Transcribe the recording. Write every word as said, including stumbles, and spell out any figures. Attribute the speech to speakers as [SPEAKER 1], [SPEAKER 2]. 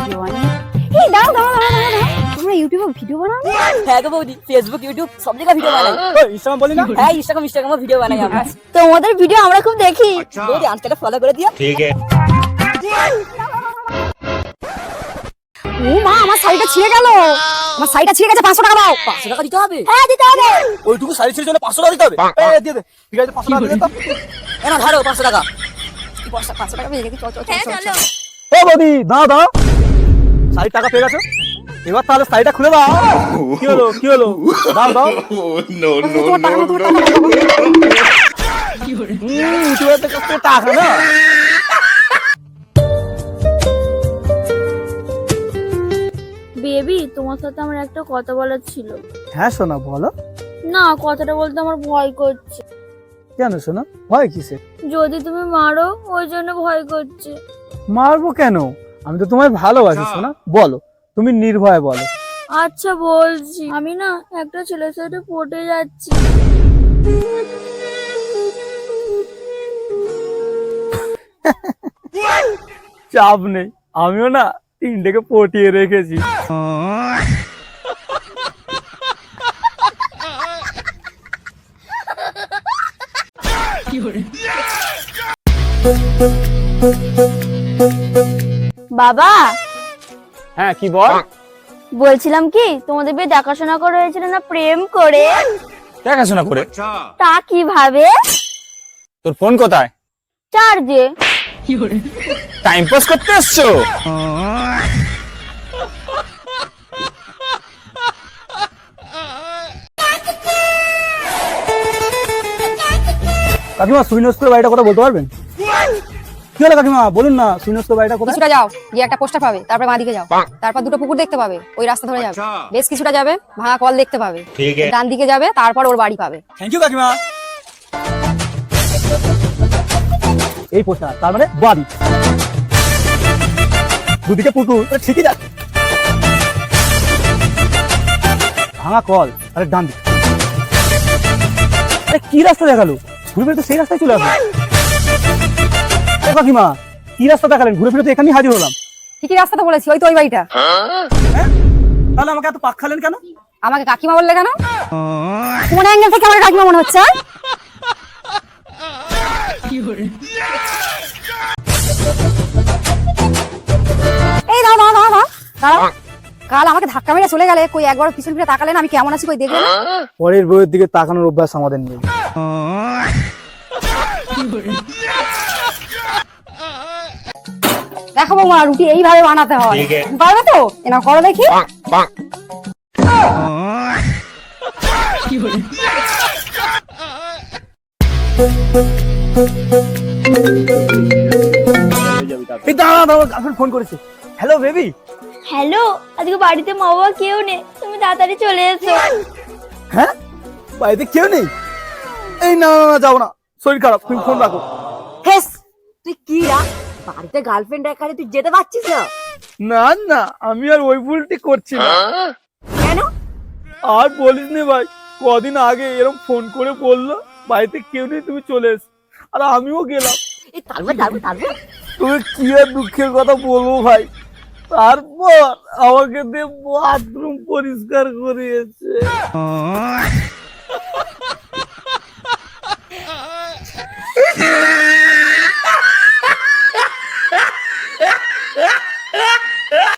[SPEAKER 1] Video বানাই। এই দাঁড়াও দাঁড়াও দাঁড়াও দাঁড়াও, তোমরা ইউটিউবে ভিডিও বানাও?
[SPEAKER 2] হ্যাঁ গো বৌদি, ফেসবুক ইউটিউব সব জায়গায় ভিডিও বানাই।
[SPEAKER 3] ইনস্টাগ্রাম বলি না?
[SPEAKER 2] হ্যাঁ ইনস্টাগ্রাম ইনস্টাগ্রামে ভিডিও বানাই আমরা।
[SPEAKER 1] তোমাদের ভিডিও আমরা খুব দেখি।
[SPEAKER 2] বৌদি আজকে ফলো করে দিও।
[SPEAKER 4] ठीक है।
[SPEAKER 1] ও মা, আমার শাড়িটা ছিঁড়ে গেল, আমার শাড়িটা ছিঁড়ে গেছে, পাঁচশো টাকা দাও।
[SPEAKER 2] পাঁচশো টাকা দিতে হবে?
[SPEAKER 1] হ্যাঁ দিতে হবে।
[SPEAKER 3] ওইটুকু শাড়ি ছিঁড়ে জন্য পাঁচশো টাকা দিতে হবে? এই দিয়ে দে, ঠিক আছে পাঁচশো টাকা দিয়ে দে তো।
[SPEAKER 2] এ না ধরো পাঁচশো টাকা।
[SPEAKER 1] কি পাঁচশো পাঁচশো টাকা পেয়ে গেছি, চল চল
[SPEAKER 2] হ্যাঁ,
[SPEAKER 1] চল
[SPEAKER 2] চলো।
[SPEAKER 1] চল।
[SPEAKER 3] ও বৌদি দাও দাও, শাড়ির টাকা পেয়ে গেছো, এবার তাহলে শাড়িটা খুলে দাও। কি হলো কি হলো, দাও দাও।
[SPEAKER 4] No no
[SPEAKER 1] তোমার টাকা
[SPEAKER 4] no
[SPEAKER 1] না, তোমার
[SPEAKER 4] no।
[SPEAKER 1] টাকা না।
[SPEAKER 3] হুম, ইউটিউবের কাছ থেকে টাকা না।
[SPEAKER 5] বেবি, তোমার সাথে আমার একটা কথা বলার ছিল।
[SPEAKER 3] হ্যাঁ সোনা বলো।
[SPEAKER 5] না, কথাটা বলতে আমার ভয় করছে।
[SPEAKER 3] কেন সোনা, ভয় কিসে?
[SPEAKER 5] যদি তুমি মারো ওই জন্য ভয় করছে।
[SPEAKER 3] মারবো কেন, আমি তো তোমায় ভালোবাসি সোনা, বলো তুমি নির্ভয়ে বলো।
[SPEAKER 5] আচ্ছা বলছি, আমি না একটা ছেলের সাথে পটে যাচ্ছি।
[SPEAKER 3] চাপ নেই, আমিও না তিনটেকে পটিয়ে রেখেছি।
[SPEAKER 5] বাবা,
[SPEAKER 3] হ্যাঁ কি বল?
[SPEAKER 5] বলছিলাম কি, তোমাদের বিয়ে দেখাশোনা করে হয়েছিল না প্রেম করে?
[SPEAKER 3] দেখাশোনা করে?
[SPEAKER 5] তা কিভাবে?
[SPEAKER 3] তোর ফোন কোথায়?
[SPEAKER 5] চার্জে।
[SPEAKER 3] টাইম পাস করতে এসছো? কাকিমা সুইনস্কর বাড়িটা কথা বলতে পারবেন? কি হলো কাকিমা বলুন না, সুইনস্কর বাড়িটা কোথায়?
[SPEAKER 1] কিছুটা যাও, গিয়ে একটা পোস্টার পাবে, তারপর বাঁদিকে যাও, তারপর দুটো পুকুর দেখতে পাবে, ওই রাস্তা ধরে যাবে, বেশ কিছুটা যাবে, ভাঙা কল দেখতে পাবে,
[SPEAKER 4] ठीक है।
[SPEAKER 1] ডান দিকে যাবে, তারপর ওর বাড়ি পাবে।
[SPEAKER 3] থ্যাংক ইউ কাকিমা। এই পোস্টার তার মানে বাড়ি, দুদিকে পুকুর, তাহলে ঠিকই যাচ্ছে। ভাঙা কল আরে ডান দিকে, আরে কি রাস্তা দেখালো, ঘুরে ফিরে তো সেই রাস্তায় চলে আসবে। ও কাকিমা কি রাস্তা দেখালেন, ঘুরে ফিরে তো এখানেই হাজির হলাম।
[SPEAKER 1] ঠিকই রাস্তা তো বলেছি, ওই তো ওই বাড়িটা।
[SPEAKER 3] হ্যাঁ? তাহলে আমাকে এত পাক খালেন কেন?
[SPEAKER 1] আমাকে কাকিমা বললে কেন? কোন অ্যাঙ্গেল থেকে আমার কাকিমা মনে হচ্ছে? এই দাও দাও দাও দাও দাঁড়াও, কাল আমাকে ধাক্কা মেরে চলে গেলে, কই একবার পিছন ফিরে তাকালেন আমি কেমন আছি কই দেখলেন না?
[SPEAKER 3] পরের বইয়ের দিকে তাকানোর অভ্যাস আমাদের নেই।
[SPEAKER 1] দেখো বৌমা, রুটি এইভাবে বানাতে হয়,
[SPEAKER 4] ঠিক আছে।
[SPEAKER 1] পারবে তো? এনা করো দেখি।
[SPEAKER 3] এই দাঁড়া দাঁড়া, গার্লফ্রেন্ড ফোন করেছে। Hello baby.
[SPEAKER 5] হ্যালো, আজকে বাড়িতে মা বাবা কেউ নেই, তুমি তাড়াতাড়ি চলে এসো।
[SPEAKER 3] হ্যাঁ বাড়িতে কেউ নেই? এই না না না, যাও না, শরীর খারাপ, তুমি ফোন রাখো।
[SPEAKER 2] হেস, তুই কি রা বাড়িতে গার্লফ্রেন্ড একারে তুই যেতে পারছিস না?
[SPEAKER 3] না না, আমি আর ওই ভুলটি করছি না।
[SPEAKER 2] কেন?
[SPEAKER 3] আর বলিস নি ভাই, কদিন আগে এরকম ফোন করে বললো বাড়িতে কেউ নেই, তুমি চলে এস, আর আমিও গেলাম।
[SPEAKER 2] এই তারপর তারপর তারপর
[SPEAKER 3] তুমি কি আর দুঃখের কথা বলবো ভাই, তারপর আমাকে দিয়ে বাথরুম পরিষ্কার করিয়েছে।